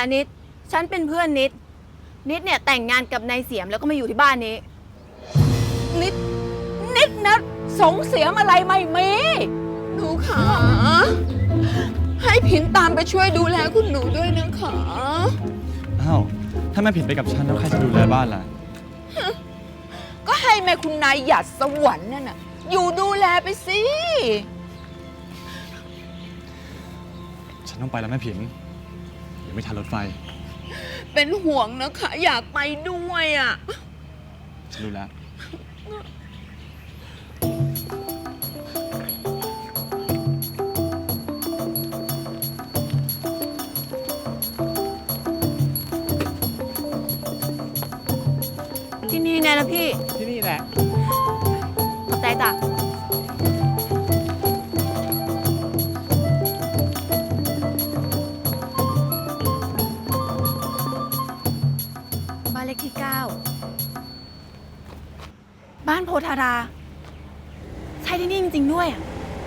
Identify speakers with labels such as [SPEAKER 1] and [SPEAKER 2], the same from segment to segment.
[SPEAKER 1] นิดฉันเป็นเพื่อนนิดเนี่ยแต่งงานกับนายเสียมแล้วก็มาอยู่ที่บ้านนี้
[SPEAKER 2] นิดนะสงเสียมอะไรไม่มีหนูขาให้ผินตามไปช่วยดูแลคุณหนูด้วยนะคะ
[SPEAKER 3] อ้าวถ้าแม่ผิดไปกับฉันแล้วใครจะดูแลบ้านล่ะ
[SPEAKER 2] ก็ให้แม่คุณนายหยาดสวรรค์นั่นน่ะอยู่ดูแลไปสิ
[SPEAKER 3] ฉันต้องไปแล้วแม่ผินเดี๋ยวไม่ทันรถไฟ
[SPEAKER 2] เป็นห่วงนะคะอยากไปด้วยอ่ะ
[SPEAKER 3] ฉันรู้แล้ว
[SPEAKER 1] ที่นี่ไงล่ะพี่
[SPEAKER 4] ที่นี่แหละ
[SPEAKER 1] ขอบใจจ้ะบ้านเลขที่ 9 บ้านโพธาราใช่ที่นี่จริงๆด้วยอ่ะ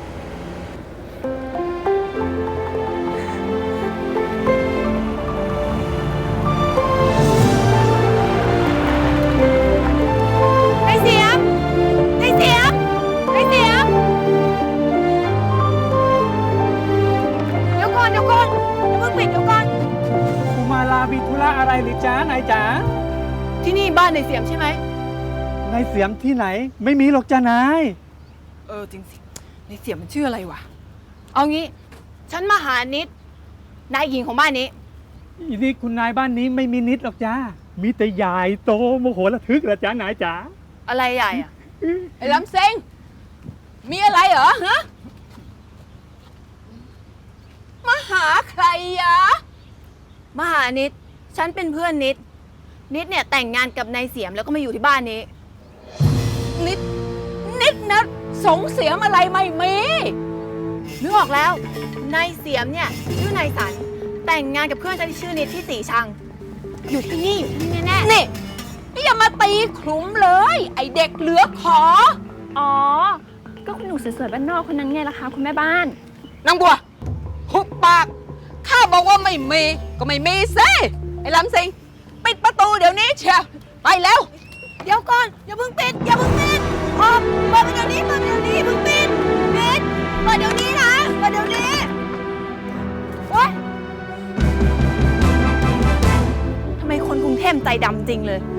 [SPEAKER 1] นายเสียมเดี๋ยวก่อนอย่าเพิ่งปิดเดี๋ยวก่อน
[SPEAKER 4] สุมาลามีธุระอะไรหรือจ๊ะนายจ๋า
[SPEAKER 1] ที่นี่บ้านนายเสียมใช่ไหม
[SPEAKER 4] นายเสียมที่ไหนไม่มีหรอกจ้านาย
[SPEAKER 1] จริงสินายเสียมมันชื่ออะไรวะเอางี้ฉันมาหานิดนายหญิงของบ้านนี้
[SPEAKER 4] อีนี่คุณนายบ้านนี้ไม่มีนิดหรอกจ้ามีแต่ใหญ่โตโมโหระทึกละจ้านายจ๋า
[SPEAKER 1] อะไรใหญ่อะ
[SPEAKER 2] ไอ้ลำเซ็งมีอะไรเหรอฮะมาหาใครอะ
[SPEAKER 1] มาหานิดฉันเป็นเพื่อนนิดเนี่ยแต่งงานกับนายเสียมแล้วก็มาอยู่ที่บ้านนี้
[SPEAKER 2] นิดนะสงเสียมอะไรไม่มี
[SPEAKER 1] นึกออกแล้วนายเสียมเนี่ยชื่อนายสันแต่งงานกับเพื่อนฉันที่ชื่อนิดที่สีชังอยู่ที่นี่แน่ๆ
[SPEAKER 2] นี่อย่ามาตีขลุ่มเลย ไอเด็กเหลือขอ
[SPEAKER 5] อ๋อ ก็คุณหนูสวยๆบ้านนอกคนนั้นไงล่ะคะคุณแม่บ้าน
[SPEAKER 2] นางบัวหุบปาก ข้าบอกว่าไม่มีก็ไม่มีสิไอ้ลำสิงปิดประตูเดี๋ยวนี้เชียวไปแล้ว
[SPEAKER 1] เดี๋ยวก่อนอย่าเพิ่งปิดเปิดเดี๋ยวนี้เพิ่งปิดเปิดเดี๋ยวนี้นะเปิดเดี๋ยวนี้โอ๊ยทำไมคนกรุงเทพใจดำจริงเลย